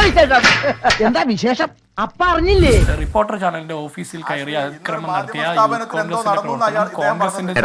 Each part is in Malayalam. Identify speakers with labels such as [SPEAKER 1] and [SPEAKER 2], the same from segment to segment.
[SPEAKER 1] എന്താ വിശേഷം? അപ്പ അറിഞ്ഞില്ലേ?
[SPEAKER 2] റിപ്പോർട്ടർ ചാനലിന്റെ ഓഫീസിൽ കയറി അതിക്രമം നടത്തിയ കോൺഗ്രസിന്റെ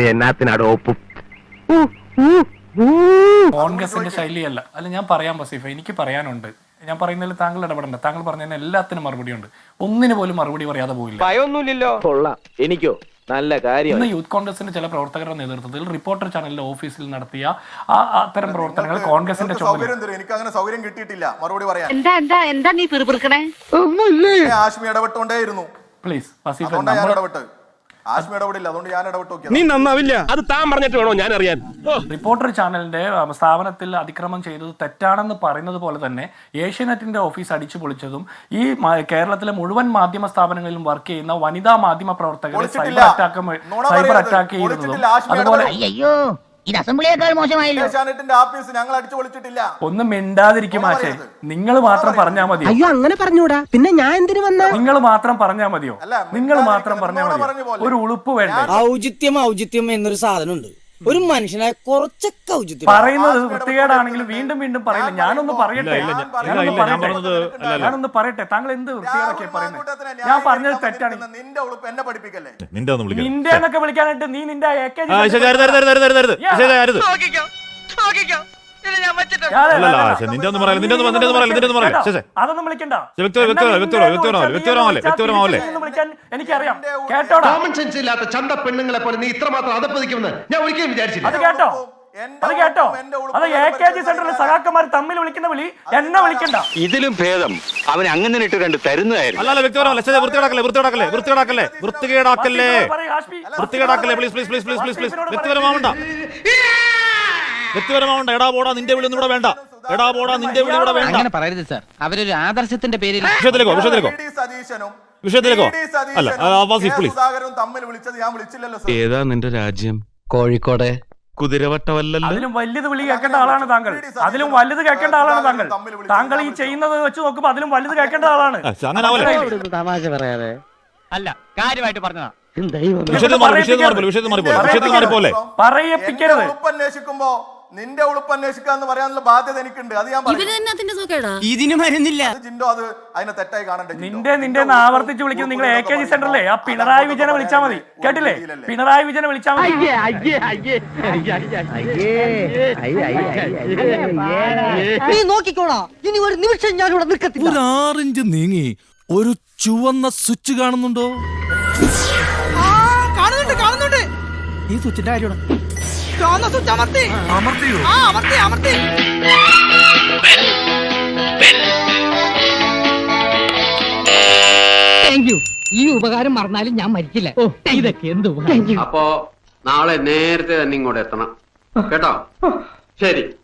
[SPEAKER 2] കോൺഗ്രസിന്റെ ശൈലിയല്ല. അല്ല, ഞാൻ പറയാം വസീഫ, എനിക്ക് പറയാനുണ്ട്. ഞാൻ പറയുന്നതിൽ താങ്കൾ ഇടപെടണ്ട. താങ്കൾ പറഞ്ഞതിന് എല്ലാത്തിനും മറുപടി ഉണ്ട്. ഒന്നിനു പോലും മറുപടി പറയാതെ പോയില്ല.
[SPEAKER 3] എനിക്കോ നല്ല കാര്യം.
[SPEAKER 2] ഇന്ന് യൂത്ത് കോൺഗ്രസിന്റെ ചില പ്രവർത്തകരുടെ നേതൃത്വത്തിൽ റിപ്പോർട്ടർ ചാനലിന്റെ ഓഫീസിൽ നടത്തിയ അത്തരം പ്രവർത്തനങ്ങൾ കോൺഗ്രസിന്റെ
[SPEAKER 4] എനിക്ക് അങ്ങനെ സൗകര്യം കിട്ടിയിട്ടില്ല മറുപടി പറയാൻ.
[SPEAKER 1] എന്താ നീ പിറുപിറുക്കണേ?
[SPEAKER 4] ആശ്മി ഇടപെട്ടോണ്ടേയിരുന്നു.
[SPEAKER 2] പ്ലീസ് വസീഫ,
[SPEAKER 4] ആശ്മി ഇടപെടില്ല, അതുകൊണ്ട് ഞാൻ ഇടപെട്ടു.
[SPEAKER 5] നീ നന്നാവില്ല, അത് താൻ പറഞ്ഞിട്ട് വേണോ ഞാൻ അറിയാൻ.
[SPEAKER 2] റിപ്പോർട്ടർ ചാനലിന്റെ സ്ഥാപനത്തിൽ അതിക്രമം ചെയ്തത് തെറ്റാണെന്ന് പറയുന്നത് പോലെ തന്നെ ഏഷ്യാനെറ്റിന്റെ ഓഫീസ് അടിച്ചു പൊളിച്ചതും ഈ കേരളത്തിലെ മുഴുവൻ മാധ്യമ സ്ഥാപനങ്ങളിലും വർക്ക് ചെയ്യുന്ന വനിതാ മാധ്യമ പ്രവർത്തകരെ സൈബർ അറ്റാക്ക് ചെയ്തതും അതുപോലെ
[SPEAKER 1] ഇത് അസംബ്ലിയേക്കാൾ മോശമായല്ലോ.
[SPEAKER 4] ഏഷ്യാനെറ്റിന്റെ ആഫീസ് ഞങ്ങൾ അടിച്ചു പൊളിച്ചിട്ടില്ല.
[SPEAKER 2] ഒന്നും മിണ്ടാതിരിക്കും ആശേ. നിങ്ങൾ മാത്രം പറഞ്ഞാൽ മതിയോ?
[SPEAKER 1] അയ്യോ, അങ്ങനെ പറഞ്ഞൂടാ. പിന്നെ ഞാൻ എന്തിനു വന്ന?
[SPEAKER 2] നിങ്ങൾ മാത്രം പറഞ്ഞാൽ മതിയോ? നിങ്ങൾ മാത്രം പറഞ്ഞാൽ മതിയോ? ഒരു ഉളുപ്പ് വേണ്ടേ?
[SPEAKER 6] ഔചിത്യം എന്നൊരു സാധനമുണ്ട്. ഒരു മനുഷ്യനെ കുറച്ചൊക്കെ ഔചിത്യം
[SPEAKER 2] പറയുന്നത് വൃത്തികേടാണെങ്കിലും വീണ്ടും വീണ്ടും പറയില്ല. ഞാനൊന്ന് പറയട്ടെ. താങ്കൾ എന്ത് വൃത്തികേടൊക്കെ പറയുന്നത്? ഞാൻ പറഞ്ഞത് തെറ്റാണ്.
[SPEAKER 4] നിന്റെ ഉളുപ്പ് എന്നെ പഠിപ്പിക്കല്ലേ?
[SPEAKER 2] നിന്റെ എന്നൊക്കെ വിളിക്കാനായിട്ട് നീ നിന്റെ അതൊന്നും വിളിക്കണ്ട. എനിക്കറിയാം. കേട്ടോടാ,
[SPEAKER 5] ചന്ത പെണ്ണുങ്ങളെ പോലെ നീ ഇത്രമാത്രം അതപ്പതിക്കുമെന്ന് ഞാൻ ഒരിക്കലും വിചാരിച്ചില്ല.
[SPEAKER 2] അത് കേട്ടോ, അത് കേട്ടോ. അത് AKG സെന്ററിലെ സഖാക്കന്മാർ തമ്മിൽ വിളിക്കുന്ന വിളി എന്നെ വിളിക്കണ്ട.
[SPEAKER 7] ഇതിലും ഭേദം അവൻ അങ്ങനെ ഇട്ട് കണ്ട് തരുന്നതായിരുന്നു.
[SPEAKER 8] വ്യക്തിപരമാവണ്ട. എടാ പോടാ നിന്റെ വിളി ഒന്നും വേണ്ട. എടാ പോടാ നിന്റെ വിളി ഇവിടെ വേണ്ട.
[SPEAKER 1] അങ്ങനെ പറയരുത് സാർ. അവരൊരു ആദർശത്തിന്റെ പേരിൽ
[SPEAKER 8] വിഷയത്തിലേക്കോ അല്ല.
[SPEAKER 5] ഏതാ നിന്റെ രാജ്യം?
[SPEAKER 6] കോഴിക്കോട്
[SPEAKER 5] കുതിരവട്ടമല്ലല്ലോ.
[SPEAKER 2] അതിലും വലുത് വിളി കേൾക്കേണ്ട ആളാണ് താങ്കൾ. അതിലും വലുത് കേൾക്കേണ്ട ആളാണ് താങ്കൾ. താങ്കൾ ഈ ചെയ്യുന്നത് വെച്ച് നോക്കുമ്പോ അതിലും വലുത് കേൾക്കേണ്ട ആളാണ്.
[SPEAKER 1] തമാശ പറയാതെ
[SPEAKER 6] അല്ല, കാര്യമായിട്ട് പറഞ്ഞതാ.
[SPEAKER 2] പറയിപ്പിക്കരുത്.
[SPEAKER 4] അന്വേഷിക്കുമ്പോ നിന്റെ ഉളുപ്പ് അന്വേഷിക്കാന്ന് പറയാനുള്ള ബാധ്യത എനിക്കുണ്ട്. അത് ഞാൻ
[SPEAKER 6] ഇതിന് മരുന്നില്ല.
[SPEAKER 4] ജിൻഡോ അത് അതിനെ തെറ്റായി കാണണ്ടേ?
[SPEAKER 2] നിന്റെ ആവർത്തിച്ച് വിളിക്കുന്നത് നിങ്ങൾ AKG സെന്ററിലെ ആ പിണറായി വിജയനെ വിളിച്ചാൽ മതി. കേട്ടില്ലേ? പിണറായി വിജയനെ വിളിച്ചാൽ മതി.
[SPEAKER 1] നീ നോക്കിക്കോളാ, ഇനി ഒരു നിമിഷം ഞാൻ ഇവിടെ നിൽക്കത്തില്ല.
[SPEAKER 9] ഒരു 6 ഇഞ്ച് നീങ്ങി ഒരു ചുവന്ന സ്വിച്ച് കാണുന്നുണ്ടോ?
[SPEAKER 1] കാണുന്നുണ്ട്.
[SPEAKER 9] ഈ സ്വിച്ചിന്റെ കാര്യമാണ്.
[SPEAKER 1] ഈ ഉപകാരം മറന്നാലും ഞാൻ മരിക്കില്ല. ഇതൊക്കെ എന്ത്?
[SPEAKER 7] അപ്പോ നാളെ നേരത്തെ തന്നെ ഇങ്ങോട്ട് എത്തണം കേട്ടോ. ശരി.